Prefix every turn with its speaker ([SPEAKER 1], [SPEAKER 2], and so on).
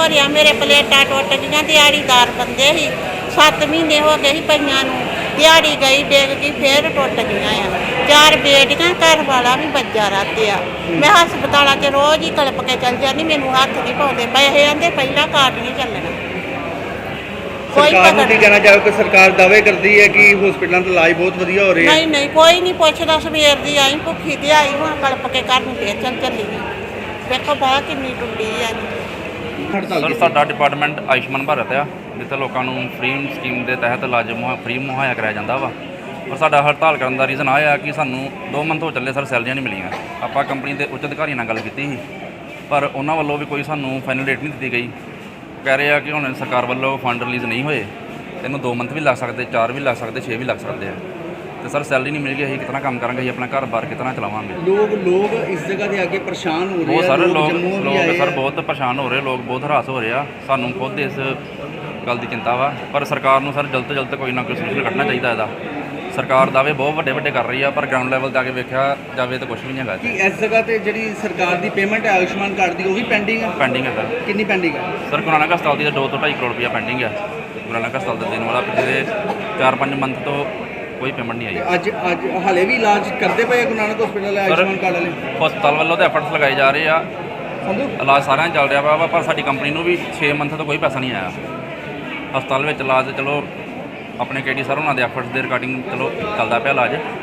[SPEAKER 1] ਭਰਿਆ। ਮੇਰੇ ਪਲੇਟਾਂ ਟੁੱਟ ਗਈਆਂ। ਦਿਹਾੜੀਦਾਰ ਬੰਦੇ ਸੀ, 7 ਮਹੀਨੇ ਹੋ ਗਏ ਸੀ ਪਈਆਂ ਨੂੰ। ਦਿਹਾੜੀ ਗਈ, ਡਿੱਗ ਗਈ, ਫੇਰ ਟੁੱਟ ਗਈਆਂ ਆ। 4 ਬੇਟੀਆਂ, ਘਰ ਵਾਲਾ ਵੀ ਬੱਜਾ ਰਾਤੇ ਆ। ਮੈਂ ਹਸਪਤਾਲਾਂ 'ਚ ਰੋਜ਼ ਹੀ ਕਲਪ ਕੇ ਚੱਲ ਜਾਂਦੀ, ਮੈਨੂੰ ਹੱਥ ਨਹੀਂ ਪਾਉਂਦੇ। ਪੈਸੇ ਆਂਦੇ ਪਹਿਲਾਂ ਕਾਰਡ ਨਹੀਂ ਚੱਲਣਾ।
[SPEAKER 2] ਸਰਕਾਰ ਨੂੰ ਕੀ ਕਹਿਣਾ ਚਾਹੋਗੇ? ਸਰਕਾਰ ਦਾਅਵੇ ਕਰਦੀ ਹੈ ਕਿ ਹਸਪੀਟਲਾਂ ਦਾ ਇਲਾਜ ਬਹੁਤ ਵਧੀਆ ਹੋ ਰਿਹਾ ਹੈ।
[SPEAKER 1] ਨਹੀਂ ਕੋਈ ਨਹੀਂ ਪੁੱਛਦਾ। ਸਵੇਰ ਦੀ ਆਈ ਭੁੱਖੀ ਤੇ ਆਈ, ਹੁਣ ਕਲਪ ਕੇ ਘਰ ਨੂੰ ਫੇਰ ਚੱਲੀ। ਵੇਖੋ ਬਾਹ ਕਿੰਨੀ ਟੁੱਟੀ ਆ।
[SPEAKER 3] ਸਰ ਸਾਡਾ ਡਿਪਾਰਟਮੈਂਟ ਆਯੁਸ਼ਮਾਨ ਭਾਰਤ ਆ, ਜਿੱਥੇ ਲੋਕਾਂ ਨੂੰ ਫ੍ਰੀ ਸਕੀਮ ਦੇ ਤਹਿਤ ਇਲਾਜ ਫ੍ਰੀ ਮੁਹੱਈਆ ਕਰਾਇਆ ਜਾਂਦਾ ਵਾ। ਪਰ ਸਾਡਾ ਹੜਤਾਲ ਕਰਨ ਦਾ ਰੀਜ਼ਨ ਇਹ ਆ ਕਿ ਸਾਨੂੰ 2 ਮੰਥ ਹੋ ਚੱਲੇ ਸਰ ਸੈਲਰੀਆਂ ਨਹੀਂ ਮਿਲੀਆਂ। ਆਪਾਂ ਕੰਪਨੀ ਦੇ ਉੱਚ ਅਧਿਕਾਰੀਆਂ ਨਾਲ ਗੱਲ ਕੀਤੀ ਸੀ, ਪਰ ਉਹਨਾਂ ਵੱਲੋਂ ਵੀ ਕੋਈ ਸਾਨੂੰ ਫਾਈਨਲ ਡੇਟ ਨਹੀਂ ਦਿੱਤੀ ਗਈ। ਕਹਿ ਰਹੇ ਆ ਕਿ ਹੁਣ ਸਰਕਾਰ ਵੱਲੋਂ ਫੰਡ ਰਿਲੀਜ਼ ਨਹੀਂ ਹੋਏ, ਇਹਨੂੰ 2 ਮੰਥ ਵੀ ਲੱਗ ਸਕਦੇ, 4 ਵੀ ਲੱਗ ਸਕਦੇ, 6 ਵੀ ਲੱਗ ਸਕਦੇ ਆ। ਤੇ ਸਰ ਸੈਲਰੀ ਨਹੀਂ ਮਿਲ ਗਈ, ਅਸੀਂ ਕਿਤਨਾ ਕੰਮ ਕਰਾਂਗੇ, ਅਸੀਂ ਆਪਣਾ ਘਰ-ਬਾਰ ਕਿਤਨਾ ਚਲਾਵਾਂਗੇ।
[SPEAKER 2] ਲੋਕ ਇਸ ਜਗ੍ਹਾ ਦੇ ਅੱਗੇ ਪਰੇਸ਼ਾਨ ਹੋ ਰਹੇ
[SPEAKER 3] ਬਹੁਤ
[SPEAKER 2] ਆ।
[SPEAKER 3] ਸਾਰੇ ਲੋਕ ਸਰ ਬਹੁਤ ਪਰੇਸ਼ਾਨ ਹੋ ਰਹੇ, ਲੋਕ ਬਹੁਤ ਹਰਾਸ ਹੋ ਰਹੇ ਆ। ਸਾਨੂੰ ਖੁਦ ਇਸ ਗੱਲ ਦੀ ਚਿੰਤਾ ਵਾ, ਪਰ ਸਰਕਾਰ ਨੂੰ ਸਰ ਜਲਦ ਤੋਂ ਜਲਦ ਕੋਈ ਨਾ ਕੋਈ ਸੋਲੂਸ਼ਨ ਕੱਢਣਾ ਚਾਹੀਦਾ ਇਹਦਾ। ਸਰਕਾਰ ਦਾਅਵੇ ਬਹੁਤ ਵੱਡੇ ਕਰ ਰਹੀ ਆ, ਪਰ ਗਰਾਊਂਡ ਲੈਵਲ 'ਤੇ ਆ ਕੇ ਵੇਖਿਆ ਜਾਵੇ ਤਾਂ ਕੁਝ ਵੀ ਨਹੀਂ ਹੈਗਾ।
[SPEAKER 2] ਕਿ ਇਸ ਜਗ੍ਹਾ ਤੇ ਜਿਹੜੀ ਸਰਕਾਰ ਦੀ ਪੇਮੈਂਟ ਹੈ ਆਯੁਸ਼ਮਾਨ ਕਾਰਡ ਦੀ, ਉਹ ਵੀ ਪੈਂਡਿੰਗ ਹੈ?
[SPEAKER 3] ਪੈਂਡਿੰਗ ਹੈ ਸਰ।
[SPEAKER 2] ਕਿੰਨੀ ਪੈਂਡਿੰਗ ਹੈ?
[SPEAKER 3] ਸਰ ਗੁਰੂ ਨਾਨਕ ਹਸਪਤਾਲ ਦੀ 2 ਤੋਂ 2.5 ਕਰੋੜ ਰੁਪਇਆ ਪੈਂਡਿੰਗ ਹੈ। ਗੁਰੂ ਨਾਨਕ ਹਸਪਤਾਲ ਦਾ ਦੇਣ ਵਾਲਾ ਪਿਛਲੇ 4-5 ਮੰਥ ਤੋਂ ਕੋਈ ਪੇਮੈਂਟ ਨਹੀਂ ਆਈ।
[SPEAKER 2] ਅੱਜ ਹਾਲੇ ਵੀ ਇਲਾਜ ਕਰਦੇ ਪਏ ਗੁਰੂ ਨਾਨਕ ਹਸਪੀਟਲ ਆਯੁਸ਼ਮਾਨ ਕਾਰਡ ਵਾਲੇ?
[SPEAKER 3] ਹਸਪਤਾਲ ਵੱਲੋਂ ਤਾਂ ਐਫਰਟਸ ਲਗਾਏ ਜਾ ਰਹੇ ਆ, ਇਲਾਜ ਸਾਰਿਆਂ ਚੱਲ ਰਿਹਾ ਵਾ, ਪਰ ਸਾਡੀ ਕੰਪਨੀ ਨੂੰ ਵੀ 6 ਮੰਥ ਤੋਂ ਕੋਈ ਪੈਸਾ ਨਹੀਂ ਆਇਆ। ਹਸਪਤਾਲ ਵਿੱਚ ਇਲਾਜ ਚਲੋ ਆਪਣੇ KD ਸਰ ਉਹਨਾਂ ਦੇ ਐਫਰਟਸ ਦੇ ਰਿਗਾਰਡਿੰਗ ਚਲੋ ਚੱਲਦਾ ਪਿਆ ਇਲਾਜ।